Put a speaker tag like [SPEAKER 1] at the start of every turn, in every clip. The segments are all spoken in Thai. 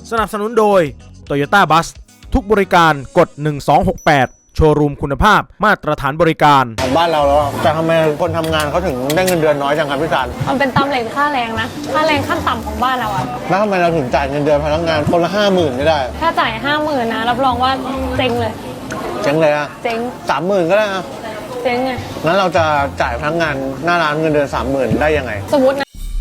[SPEAKER 1] สนับสนุนโดย Toyota Bus ทุกบริการกด1268โชว์รูมคุณภาพมาตรฐานบริการ
[SPEAKER 2] ของบ้านเราแล้วแต่ทำไมคนทำงานเขาถึงได้เงินเดือนน้อยจังครับพี่การ
[SPEAKER 3] มันเป็นตำแหน่งค่าแรงนะค่าแรงขั้นต่ำของบ้านเราอะ
[SPEAKER 2] แล้วทำไมเราถึงจ่ายเงินเดือนพนักงานคนละ50,000ไม่ได้
[SPEAKER 3] ถ้าจ่าย50,000นะรับรองว่าเจ๊งเลย
[SPEAKER 2] เจ๊งเลยอะ
[SPEAKER 3] เจ๊ง
[SPEAKER 2] 30,000ก็ได้อะ
[SPEAKER 3] เจ๊งไง
[SPEAKER 2] งั้นเราจะจ่ายพนักงานหน้าร้านเงินเดือน30,000ได้ยังไง
[SPEAKER 3] สมมตินะ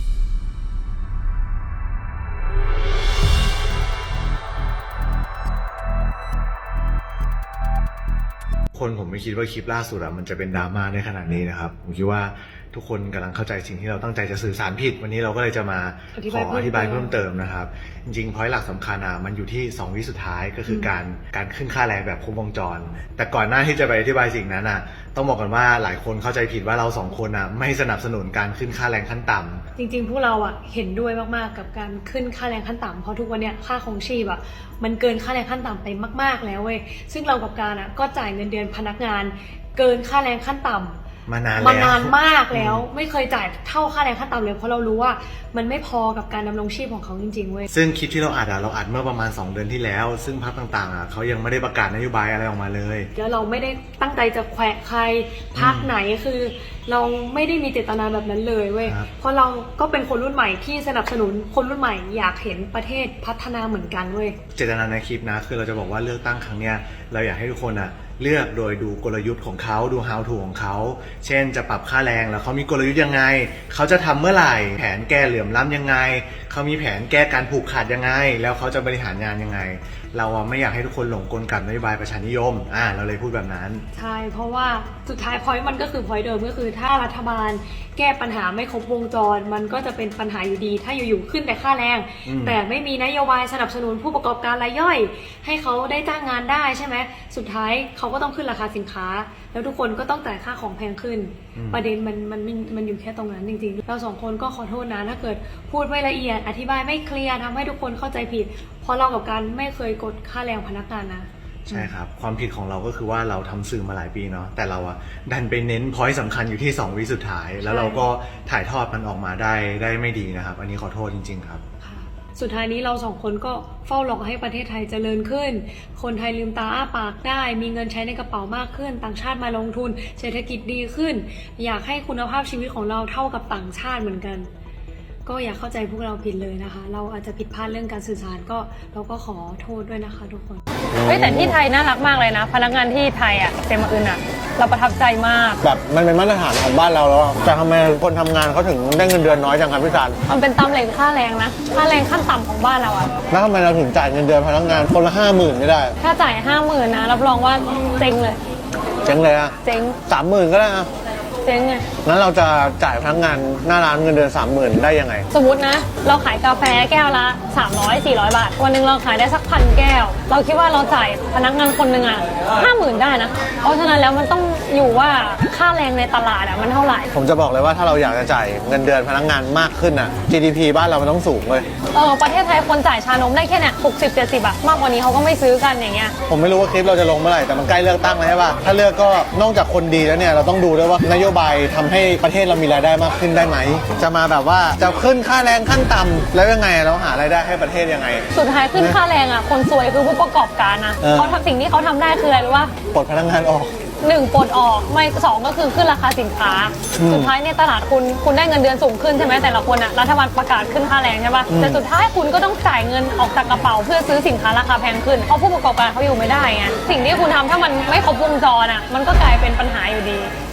[SPEAKER 4] คนผมไม่คิดว่าคลิปล่าสุดมันจะเป็นดราม่าในขนาดนี้นะครับผมคิดว่าทุกคนกำลังเข้าใจสิ่งที่เราตั้งใจจะสื่อสารผิดวันนี้เราก็เลยจะมาขออธิบายเพิ่มเติมนะครับจริงๆพอยต์หลักสำคัญมันอยู่ที่2 วิสุดท้ายก็คือการขึ้นค่าแรงแบบครบวงจรแต่ก่อนหน้าที่จะไปอธิบายสิ่งนั้นต้องบอกกันว่าหลายคนเข้าใจผิดว่าเรา2 คนไม่สนับสนุนการขึ้นค่าแรงขั้นต่ำ
[SPEAKER 3] จริงๆพวกเราเห็นด้วยมากๆกับการขึ้นค่าแรงขั้นต่ำเพราะทุกวันนี้ค่าครองชีพมันเกินค่าแรงขั้นต่ำไปมากๆแล้วเว้ยซึ่งเรากับการก็จ่ายเงินเดือนพนักงานเกินค่าแรงขั้นต่ำ
[SPEAKER 4] มาน
[SPEAKER 3] านมากแล้วไม่เคยจ่ายเท่าค่าแรงขั้นต่ำเลยเพราะเรารู้ว่ามันไม่พอกับการดำรงชีพของเขาจริงๆเว้ย
[SPEAKER 4] ซึ่งคลิปที่เราอัดเมื่อประมาณ2 เดือนที่แล้วซึ่งพรรคต่างๆเขายังไม่ได้ประกาศนโยบายอะไรออกมาเลย
[SPEAKER 3] แล้วเราไม่ได้ตั้งใจจะแขวะใครพรรคไหนคือเราไม่ได้มีเจตนาแบบนั้นเลยเว้ยเพราะเราก็เป็นคนรุ่นใหม่ที่สนับสนุนคนรุ่นใหม่อยากเห็นประเทศพัฒนาเหมือนกันเว้ย
[SPEAKER 4] เจตนาในคลิปนะคือเราจะบอกว่าเลือกตั้งครั้งเนี้ยเราอยากให้ทุกคนเลือกโดยดูกลยุทธ์ของเขาดู how to ของเขาเช่นจะปรับค่าแรงแล้วเขามีกลยุทธ์ยังไงเขาจะทำเมื่อไหร่แผนแก้เหลื่อมล้ำยังไงเขามีแผนแก้การผูกขาดยังไงแล้วเขาจะบริหารงานยังไงเราไม่อยากให้ทุกคนหลงกลกับนโยบายประชานิยมเราเลยพูดแบบนั้น
[SPEAKER 3] ใช่เพราะว่าสุดท้ายพอยต์มันก็คือพอยต์เดิมก็คือถ้ารัฐบาลแก้ปัญหาไม่ครบวงจรมันก็จะเป็นปัญหาอยู่ดีถ้าอยู่ๆขึ้นแต่ค่าแรงแต่ไม่มีนโยบายสนับสนุนผู้ประกอบการรายย่อยให้เขาได้จ้างงานได้ใช่ไหมสุดท้ายเขาก็ต้องขึ้นราคาสินค้าแล้วทุกคนก็ต้องจ่ายค่าของแพงขึ้นประเด็นมันอยู่แค่ตรงนั้นจริงๆเรา2 คนก็ขอโทษนะถ้าเกิดพูดไม่ละเอียดอธิบายไม่เคลียร์ทำให้ทุกคนเข้าใจผิดเพราะเรากับการไม่เคยกดค่าแรงพนักงานนะ
[SPEAKER 4] ใช่ครับความผิดของเราก็คือว่าเราทำสื่อมาหลายปีเนาะแต่เราดันไปเน้นพอยต์สำคัญอยู่ที่2 วิสุดท้ายแล้วเราก็ถ่ายทอดมันออกมาได้ไม่ดีนะครับอันนี้ขอโทษจริงๆครับ
[SPEAKER 3] สุดท้ายนี้เรา2 คนก็เฝ้ารอให้ประเทศไทยเจริญขึ้นคนไทยลืมตาอ้าปากได้มีเงินใช้ในกระเป๋ามากขึ้นต่างชาติมาลงทุนเศรษฐกิจดีขึ้นอยากให้คุณภาพชีวิตของเราเท่ากับต่างชาติเหมือนกันก็อย่าเข้าใจพวกเราผิดเลยนะคะเราอาจจะผิดพลาดเรื่องการสื่อสารก็เราก็ขอโทษด้วยนะคะทุกคนแต่ที่ไทยน่ารักมากเลยนะพนักงานที่ไทยเซมาอึนเราประทับใจมาก
[SPEAKER 2] แบบมันเป็นมาตรฐานของบ้านเราแล้วแต่ทำไมคนทำงานเขาถึงได้เงินเดือนน้อยจังครับพี่การ
[SPEAKER 3] มันเป็นตำแหน่งค่าแรงนะค่าแรงขั้นต่ำของบ้านเรา
[SPEAKER 2] แล้วทำไมเราถึงจ่ายเงินเดือนพนักงานคนละ50,000ไม่ได้
[SPEAKER 3] ถ้าจ่าย50,000นะรับรองว่าเจ๊งเลย
[SPEAKER 2] เจ๊งเลย
[SPEAKER 3] เจ๊ง
[SPEAKER 2] 30,000ก็ได้
[SPEAKER 3] เจ๊งไง
[SPEAKER 2] งั้นเราจะจ่ายพนักงานหน้าร้านเงินเดือน30,000ได้ยังไง
[SPEAKER 3] สมมตินะเราขายกาแฟแก้วละ300-400 บาทวันนึงเราขายได้สัก1,000 แก้วเราคิดว่าเราจ่ายพนักงานคนหนึ่ง50,000ได้นะเพราะฉะนั้นแล้วมันต้องอยู่ว่าค่าแรงในตลาดมันเท่าไหร่
[SPEAKER 2] ผมจะบอกเลยว่าถ้าเราอยากจะจ่ายเงินเดือนพนักงานมากขึ้นGDP บ้านเรามันต้องสูงเลย
[SPEAKER 3] ประเทศไทยคนจ่ายชานมได้แค่เนี่ย60-70 มากกว่านี้เขาก็ไม่ซื้อกันอย่างเงี้ย
[SPEAKER 2] ผมไม่รู้ว่าคลิปเราจะลงเมื่อไหร่แต่มันใกล้เลือกตั้งแล้วใช่ป่ะถ้าเลือกก็นอกจากคนดีแล้วเนี่ยเราต้องดูด้วยว่านโยบายทำให้ประเทศเรามีรายได้มากขึ้นได้ไหมจะมาแบบว่าจะขึ้นค่าแรงขั้นต่ำแล้วยังไงเราหารายได้ให้ประเทศยังไง
[SPEAKER 3] สุดท้ายขึ้นค่าแรงคนซวยคือผู้ประกอบการนะเขาทำสิ่งที่เขาทำได้คืออะไรรู้ป่ะ
[SPEAKER 2] ปลดพนักงานออก
[SPEAKER 3] 1ปลดออกไม่2ก็คือขึ้นราคาสินค้าสุดท้ายในตลาดคุณได้เงินเดือนสูงขึ้นใช่ไหมแต่ละคนรัฐบาลประกาศขึ้นค่าแรงใช่ป่ะแต่สุดท้ายคุณก็ต้องจ่ายเงินออกจากกระเป๋าเพื่อซื้อสินค้าราคาแพงขึ้นเพราะผู้ประกอบการเขาอยู่ไม่ได้ไงสิ่งที่คุณทำถ้ามันไม่ครบวงจรมันก็กลายเป็นปัญหาอยู่ดี